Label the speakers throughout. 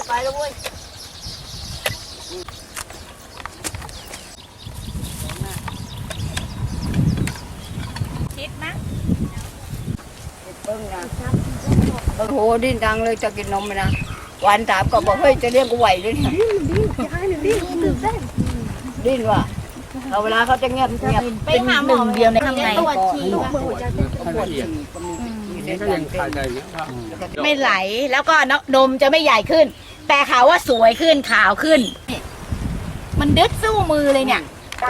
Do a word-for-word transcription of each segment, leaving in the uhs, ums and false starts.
Speaker 1: ไปแล้วเว้ยคิดมั้ยเบิ้งนะโอ้โหดิ้นดังเลยจะกินนมไหมนะวันถามก็บอกเฮ้ยจะเลี้ยงกูไหวด้วยเนี่ยดิ้นดิ้นดิ้นดิ้นว่ะเอาเวลาเขาจะเงียบเงียบไปหาหมอเดียวในข้างในปวดฉี่ปวดฉี่ไม่ไหลแล้วก็นมจะไม่ใหญ่ขึ้นแต่เขาว่าสวยขึ้นขาวขึ้นมันดึดสู้มือเลยเนี่ย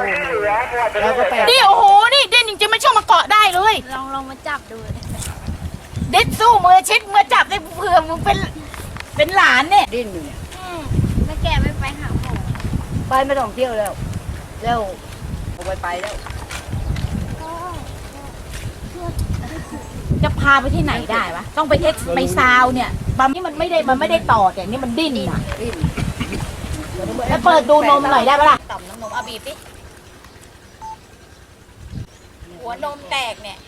Speaker 1: นี่โอ้โหนี่เด่นจริงๆไม่ชอบมาเกาะได้เลย
Speaker 2: ลองลองมาจับดู
Speaker 1: เด็ดสู้มือชิดมือจับได้เผื่อมึงเป็นเป็นหลานเนี่ยดิ้นอยู่เนี่ย
Speaker 2: แล้วแกไม่ไปหาหมอ
Speaker 1: ไปไม่ต้องเที่ยวแล้วแล้วไปไปแล้วจะพาไปที่ไหนได้วะต้องไปเท็กไปซาวเนี่ยบางนี่มันไม่ได้มันไม่ได้ต่อแต่นี่มันดิ้นนะแล้วเปิดดูนมหน่อยได้ปะล่ะต่อมน้ำนมอาบีบดิหัวนมแตกเนี่ย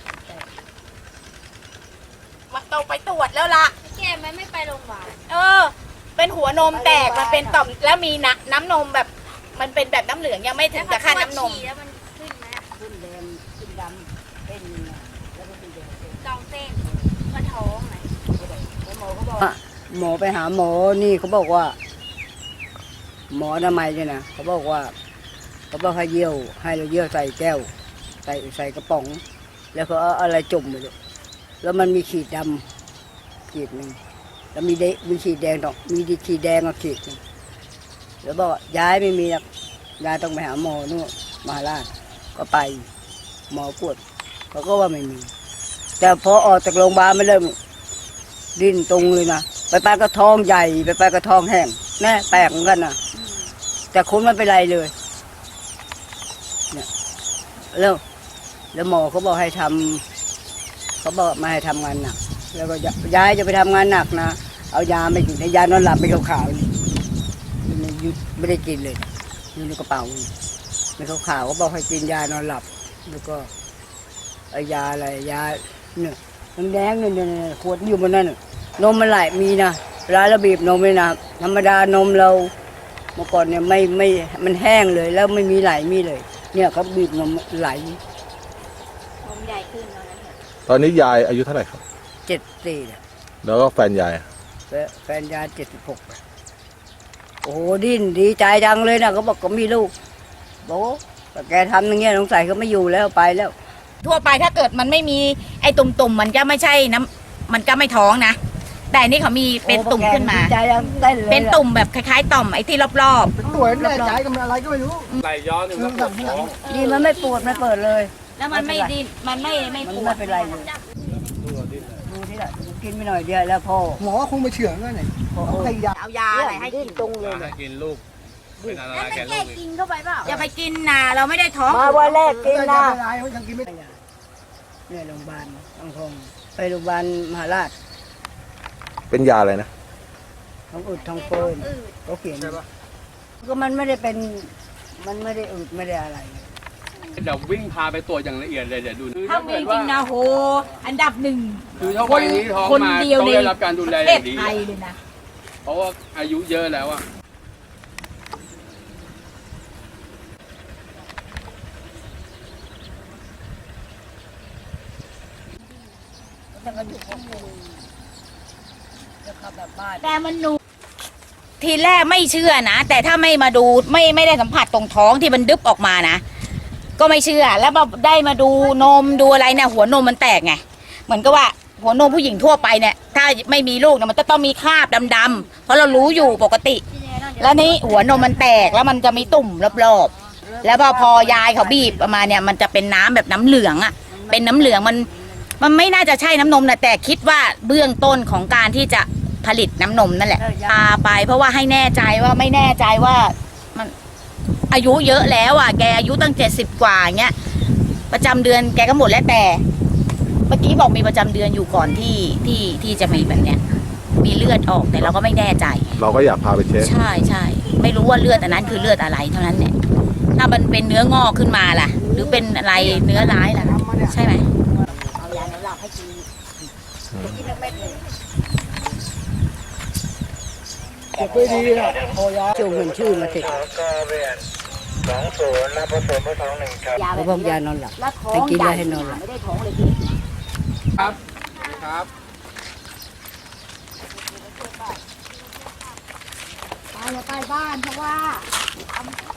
Speaker 1: มันต้องไปตรวจแล้วล่ะ
Speaker 2: แกไม่ไม่ไปโรงพยาบาล
Speaker 1: เออเป็นหัวนมแตกมันเป็นต่อมแล้วมีน้ำน้ำนมแบบมันเป็นแบบน้ำเหลืองยังไม่ถึงกับขั้นน้ำนม
Speaker 2: แล้วมันขึ้นไหม
Speaker 1: ขึ้นแดงขึ้นดำเป็นแล้วก็ขึ้นแดง
Speaker 2: สองเส้นกระท้องไหม
Speaker 1: หมอเขาบอกหมอไปหาหมอนี่เขาบอกว่าหมอทำไมเนี่ยนะเขาบอกว่าเขาบอกให้เยี่ยวให้เราเยี่ยวใส่แก้วใส่ใส่กระป๋องแล้วเขาเอาอะไรจุ่มไปเลยแล้วมันมีขีดดำขีดหนึ่งแล้วมีเดมีขีดแดงดอกมีดีขีดแดงกับขีดนึงแล้วบอกย้ายไม่มีหรอกยายต้องไปหาหมอนู่นมหาราชก็ไปหมอกวดเขาก็ว่าไม่มีแต่พอออกจากโรงพยาบาลไม่เริ่มดิ้นตรงเลยนะไปไปกระท้องใหญ่ไปไปกระท้องแห้งแน่แปลกเหมือนกันนะแต่คุณไม่เป็นไรเลยเนี่ยแล้วแล้วหมอเขาบอกให้ทำเขาบอกมาให้ทำงานหนักแล้วก็ย้ายจะไปทำงานหนักนะเอายาไม่กินยานอนหลับไม่ขาวๆนี่หยุดไม่ได้กินเลยอยู่ในกระเป๋าไม่ขาวๆเขาบอกให้กินยานอนหลับแล้วก็ไอยาอะไรยาเนี่ยน้ำแดงเนี่ยขวดอยู่บนนั้นนมมันไหลมีนะเวลาเราบีบนมเลยนะธรรมดานมเราเมื่อก่อนเนี่ยไม่ไม่มันแห้งเลยแล้วไม่มีไหลมีเลยเนี่ยเขาบีบนมไหล
Speaker 2: นมใหญ่ขึ้น
Speaker 3: ตอนนี้ยายอายุเท่าไหร่ครับ
Speaker 1: เจ็ดสี่
Speaker 3: แล้วก็แฟนยาย
Speaker 1: แฟนยายเจ็ดสิบหกโอ้โหดิ้นดีใจจังเลยนะเขาบอกก็มีลูกบอกแต่แกทำอย่างเงี้ยสงสัยเขาไม่อยู่แล้วไปแล้วทั่วไปถ้าเกิดมันไม่มีไอ้ตุ่มๆมันก็ไม่ใช่น้ำมันก็ไม่ท้องนะแต่นี่เขามีเป็นตุ่มขึ้นมาเป็นตุ่มแบบคล้ายๆต่อมไอ้ที่รอบ
Speaker 4: ๆตัวแน่ใจกับอะไรก็ไม่รู้
Speaker 3: ไหลย้อนนี่มันปวดท้อง
Speaker 1: ดีมันไม่ปวดไม่เปิดเลย
Speaker 2: แล้วมันไม่ดิ้นมันไม่ไม่ปวด
Speaker 1: ไม่เป็นไรเลยดูที่ละกินไปหน่อยเดียวแล้วพ่อ
Speaker 4: หมอคงไปเฉื่อยแล้วเนี่ย
Speaker 1: เอายาเอายาอะไรให้กินตรงเลย
Speaker 3: ให้กินลูก
Speaker 2: เป็นอะไรแกลูกกินเข้าไปเปล่า
Speaker 1: อย่าไปกินนะเราไม่ได้ท้องมาวันแรกกินนะ
Speaker 4: ยังกินไม่ได้
Speaker 1: เนี่ยโรงพยาบาลต้องคงไปโรงพยาบาลมหาราช
Speaker 3: เป็นยาอะไรนะ
Speaker 1: ท้องอืดท้องเฟ้อเขาเขียนใช่ปะก็มันไม่ได้เป็นมันไม่ได้อืดไม่ได้อะไร
Speaker 5: เดี๋ยววิ่งพาไปตรวจอย่างละเอียดเลยเดี๋ยวดู
Speaker 1: ถ้ามีจริงนะโหอันดับหนึ่ง
Speaker 5: คือถ้าวันนี้ท้องมาต้องได้รับการดูแลอย่างดี
Speaker 1: เลยนะ
Speaker 5: เพราะว่าอายุเยอะแล้วอ่ะ
Speaker 1: แต่มันหนูทีแรกไม่เชื่อนะแต่ถ้าไม่มาดูไม่ไม่ได้สัมผัสตรงท้องที่มันดึบออกมานะก็ไม่เชื่อแล้วมาได้มาดูนมดูอะไรเนี่ยหัวนมมันแตกไงเหมือนกับว่าหัวนมผู้หญิงทั่วไปเนี่ยถ้าไม่มีลูกเนี่ยมันจะต้องมีคราบดำๆเพราะเรารู้อยู่ปกติแล้วนี่หัวนมมันแตกแล้วมันจะมีตุ่มรอบๆแล้วพอพอยายเขาบีบออกมาเนี่ยมันจะเป็นน้ำแบบน้ำเหลืองอ่ะเป็นน้ำเหลืองมันมันไม่น่าจะใช่น้ำนมนะแต่คิดว่าเบื้องต้นของการที่จะผลิตน้ำนมนั่นแหละพาไปเพราะว่าให้แน่ใจว่าไม่แน่ใจว่ามันอายุเยอะแล้วอ่ะแกอายุตั้งเจ็ดสิบกว่าเงี้ยประจำเดือนแกก็หมดแล้วแต่เมื่อกี้บอกมีประจำเดือนอยู่ก่อนที่ที่ที่จะมีแบบเนี้ยมีเลือดออกแต่เราก็ไม่แน่ใจ
Speaker 3: เราก็อยากพาไปเช็ค
Speaker 1: ใช่ใช่ไม่รู้ว่าเลือดอันนั้นคือเลือดอะไรเท่านั้นเนี่ยถ้ามันเป็นเนื้องอกขึ้นมาล่ะหรือเป็นอะไรเนื้อร้ายล่ะใช่ไหมเอายาหลับให้กินกินเม็ดเลย
Speaker 4: เก็บไปดีนะพอยา
Speaker 1: ช่วงเงินชื่อมาเสร็จ
Speaker 6: สองศูนย์และผสมผสมหนึ่งครับ
Speaker 2: ยา
Speaker 1: เขาบอกยานอนหลับ
Speaker 2: แล้วท้อ
Speaker 1: ให้
Speaker 2: ง
Speaker 1: กิน
Speaker 2: ใหญ่
Speaker 1: แล้วให้นอนหลับ
Speaker 2: ไม่ได้ท้องเลยพี่
Speaker 5: ครับครับ
Speaker 2: ไปอย่าไปบ้านเพราะว่าทำ